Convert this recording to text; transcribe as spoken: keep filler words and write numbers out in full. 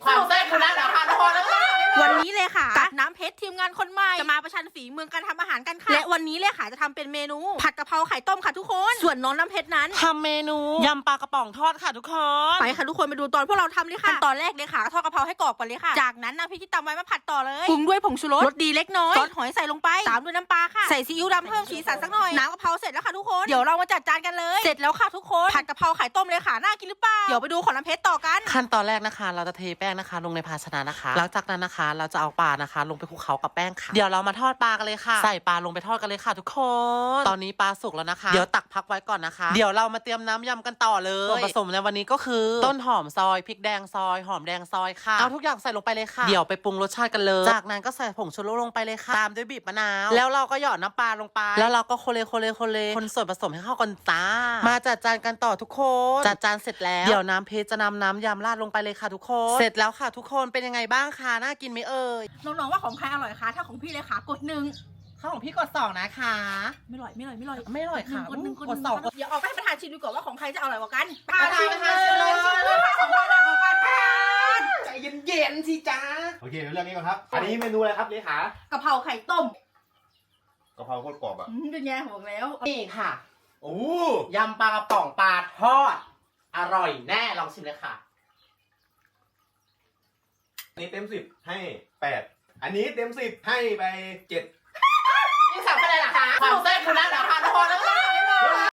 ความแซ่บคุณนั่นแหละค่ะทุกคนแล้ววันนี้เลยค่ะกับน้ำเพชรทีมงานคนใหม่จะมาประชันฝีมือการทำอาหารกันค่ะและวันนี้เลยค่ะจะทำเป็นเมนูผัดกะเพราไข่ต้มค่ะทุกคนส่วนน้องน้ำเพชรนั้นทำเมนูยำปลากระป๋องทอดค่ะทุกคนไปค่ะทุกคนไปดูตอนพวกเราทำเลยค่ะขั้นตอนแรกเลยค่ะทอดกะเพราให้กรอบก่อนเลยค่ะจากนั้นน้ำพริกที่ตำไว้มาผัดต่อเลยปรุงด้วยผงชูรสรสดีเล็กน้อยซอสหอยใส่ลงไปตามด้วยน้ำปลาค่ะใส่ซีอิ๊วดำเพิ่มสีสันสักหน่อยน้ำกะเพราเสร็จแล้วค่ะทุกคนเดี๋ยวเรามาจัดจานกันเลยเสร็จแล้วค่ะทุกคนผัดกะเพราไข่ต้มเลยค่ะน่ากินหรือเปล่าเดี๋ยวไปดูของน้ำเพชรต่อกันขั้นตอนแรกนะคะเราจะเทแป้งนะคะลงในภาชนะนะคะหลังจากนั้นนะคะเราจะเอาปลานะคะลงไปคลุกเคล้ากับแป้งค่ะเดี๋ยวเรามาทอดปลากันเลยค่ะใส่ปลาลงไปทอดกันเลยค่ะทุกคนตอนนี้ปลาสุกแล้วนะคะเดี๋ยวตักพักไว้ก่อนนะคะเดี๋ยวเรามาเตรียมน้ำยำกันต่อเลยส่วนผสมในวันนี้ก็คือต้นหอมซอยพริกแดงซอยหอมแดงซอยค่ะเอาทุกอย่างใส่ลงไปเลยค่ะเดี๋ยวไปปรุงรสชาติกันเลยจากนั้นก็ใส่ผงชูรสลงไปเลยค่ะตามด้วยบีบมะนาวแล้วเราก็หยอดน้ำปลาลงไปแล้วเราก็โคเลโคเลโคเลคนส่วนผสมให้เข้ากันจ้ามาจัดจานกันต่อทุกคนจัดจานเสร็จแล้วเดี๋ยวน้ำเพชรจะนำน้ำยำราดลงไปเลยค่ะทุกคนเสร็จแล้วค่ะทุกคนเป็นยังไงบ้างคะน่ากินไหมเอ่ยน้องๆว่าของใครอร่อยคะถ้าของพี่เลยค่ะกดหนึ่งข้าวของพี่กดสองนะคะไม่อร่อยไม่อร่อยไม่อร่อยไม่อร่อยค่ะกดหนึ่งกดกดสองเดี๋ยวออกไปให้ประธานชิมดูก่อนว่าของใครจะอร่อยกว่ากันประธานประธานชิมเลยชิมเลยของใครอร่อยกว่ากันใจเย็นๆสิจ้าโอเคเรื่องนี้ก่อนครับอันนี้เมนูอะไรครับเลขากะเพราไข่ต้มกะเพราโคตรกรอบอ่ะเป็นไงบอกแล้วนี่ค่ะโอ้ยำปลากระป๋องปลาทอดอร่อยแน่ลองชิมเลยค่ะอันนี้เต็มสิบให้แปดอันนี้เต็มสิบให้ไปเจ็ดนี่สามคะแนนเหรอคะความแซ่บคุณนั่นเหรอคะทุกคน